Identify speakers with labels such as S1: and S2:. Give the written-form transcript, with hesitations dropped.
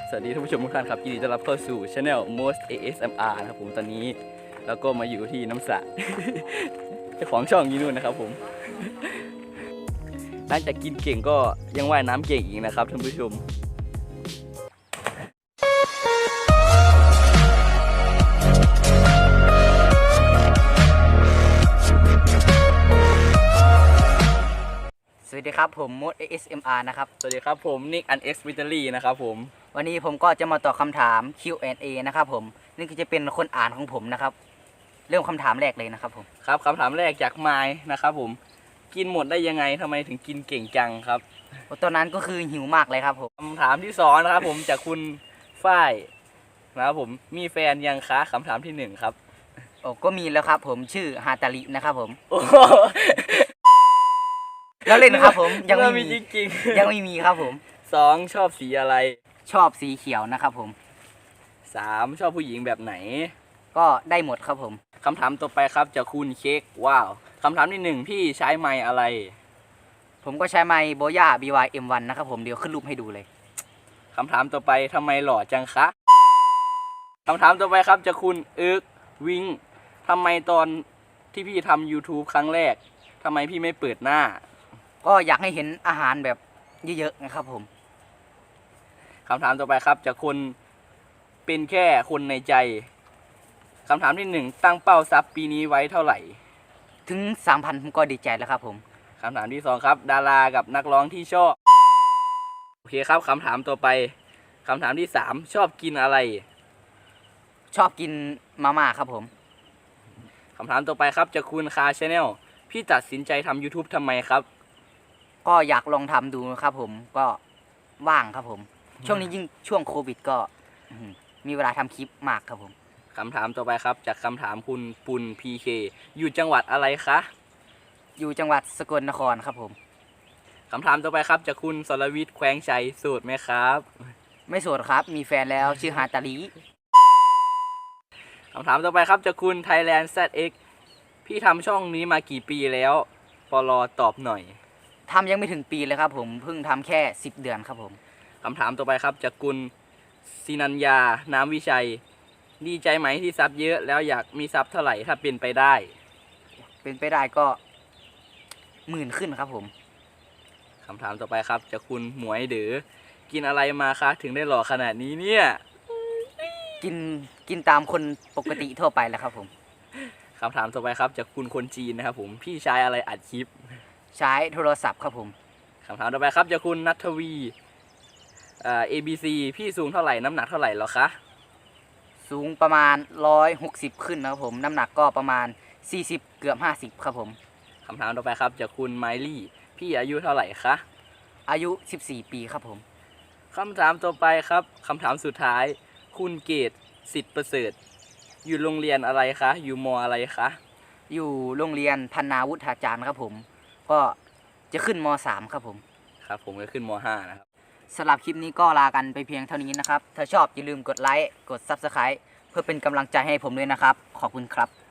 S1: สวัสดีท่านผู้ชมทุกท่านครับยินดีต้อนรับเข้าสู่ Channel Most ASMR นะครับผมตอนนี้แล้วก็มาอยู่ที่น้ำสระ เจ้าของช่องยีนู่นนะครับผมหลังจากกินเก่งก็ยังว่ายน้ำเก่งอีกนะครับท่านผู้ชม
S2: สวัสดีครับผมมด ASMR นะครับ
S1: สวัสดีครับผมนิกอันเอ็กซ์วิตเตอรี่นะครับผม
S2: วันนี้ผมก็จะมาตอบคำถาม Q&A นะครับผมนี่ก็จะเป็นคนอ่านของผมนะครับเริ่มคำถามแรกเลยนะครับผม
S1: ครับคำถามแรกจากไมค์นะครับผมกินหมดได้ยังไงทำไมถึงกินเก่งจังครับ
S2: ตอนนั้นก็คือหิวมากเลยครับผม
S1: คำถามที่สองนะครับผมจากคุณฝ้ายนะครับผมมีแฟนยังคะคำถามที่หนึ่งครับ
S2: ก็มีแล้วครับผมชื่อฮาตารินะครับผม
S1: แล้
S2: แล้วเล่นนะครับผม
S1: ยังไม่มีจริง
S2: ๆยังไม่มีครับผม
S1: สองชอบสีอะไร
S2: ชอบสีเขียวนะครับผม
S1: สามชอบผู้หญิงแบบไหน
S2: ก็ได้หมดครับผม
S1: คำถามต่อไปครับจากคุณเค้กว้าวคำถามที่หนึ่งพี่ใช้ไมค์อะไร
S2: ผมก็ใช้ไมค์โบย่า BY-M1 นะครับผมเดี๋ยวขึ้นรูปให้ดูเลย
S1: คำถามต่อไปทำไมหล่อจังคะคำถามต่อไปครับจากคุณวิงทำไมตอนที่พี่ทำ YouTube ครั้งแรกทำไมพี่ไม่เปิดหน้า
S2: ก็อยากให้เห็นอาหารแบบเยอะๆนะครับผม
S1: คำถามต่อไปครับจากคนเป็นแค่คนในใจคำถามที่หนึ่งตั้งเป้าซับปีนี้ไว้เท่าไหร่
S2: ถึง 3,000 ผมก็ดีใจแล้วครับผม
S1: คำถามที่สองครับดารากับนักร้องที่ชอบโอเคครับคำถามต่อไปคำถามที่สามชอบกินอะไร
S2: ชอบกินมาม่าครับผม
S1: คำถามต่อไปครับจากคุณคาชาแนลพี่ตัดสินใจทำ YouTube ทำไมครับ
S2: ก็อยากลองทำดูนะครับผมก็ว่างครับผมช่วงนี้ยิ่งช่วงโควิดก็มีเวลาทำคลิปมากครับผม
S1: คำถามต่อไปครับจากคำถามคุณปุณ PK อยู่จังหวัดอะไรคะ
S2: อยู่จังหวัดสกลนครครับผม
S1: คำถามต่อไปครับจากคุณสรวิทย์แขวงชัยโสดไหมครับ
S2: ไม่โสดครับมีแฟนแล้วชื่อฮาตาลี
S1: คำถามต่อไปครับจากคุณ Thailand ZX พี่ทำช่องนี้มากี่ปีแล้วปลอตอบหน่อย
S2: ทำยังไม่ถึงปีเลยครับผมเพิ่งทำแค่10 เดือนครับผม
S1: คำถามต่อไปครับจากคุณศินัญญาน้ำวิชัยดีใจไหมที่ซับเยอะแล้วอยากมีซับเท่าไหร่ถ้าเป็นไปได้
S2: ก็10,000ขึ้นครับผม
S1: คำถามต่อไปครับจากคุณหมวยเด๋อกินอะไรมาคะถึงได้หล่อขนาดนี้เนี่ย
S2: กินตามคนปกติทั่วไปแหละครับผม
S1: คำถามต่อไปครับจากคุณคนจีนนะครับผมพี่ใช้อะไรอัดคลิป
S2: ใช้โทรศัพท์ครับผม
S1: คำถามต่อไปครับจากคุณณัฐวีABC พี่สูงเท่าไหร่น้ำหนักเท่าไหร่หรอคะ
S2: สูงประมาณ160ขึ้นนะครับผมน้ำหนักก็ประมาณ40เกือบ50ครับผม
S1: คำถามต่อไปครับจากคุณไมลี่พี่อายุเท่าไหร่คะ
S2: อายุ14 ปีครับผม
S1: คำถามต่อไปครับคำถามสุดท้ายคุณเกตสิทธิ์ประเสริฐอยู่โรงเรียนอะไรคะอยู่ม.อะไรคะ
S2: อยู่โรงเรียนธนาวุฒาจารย์ครับผมก็จะขึ้นม.3 ครับผม
S1: ครับผมก็ขึ้นม.5 นะครับ
S2: สำหรับคลิปนี้ก็ลากันไปเพียงเท่านี้นะครับถ้าชอบอย่าลืมกดไลค์กด Subscribe เพื่อเป็นกำลังใจให้ผมด้วยนะครับขอบคุณครับ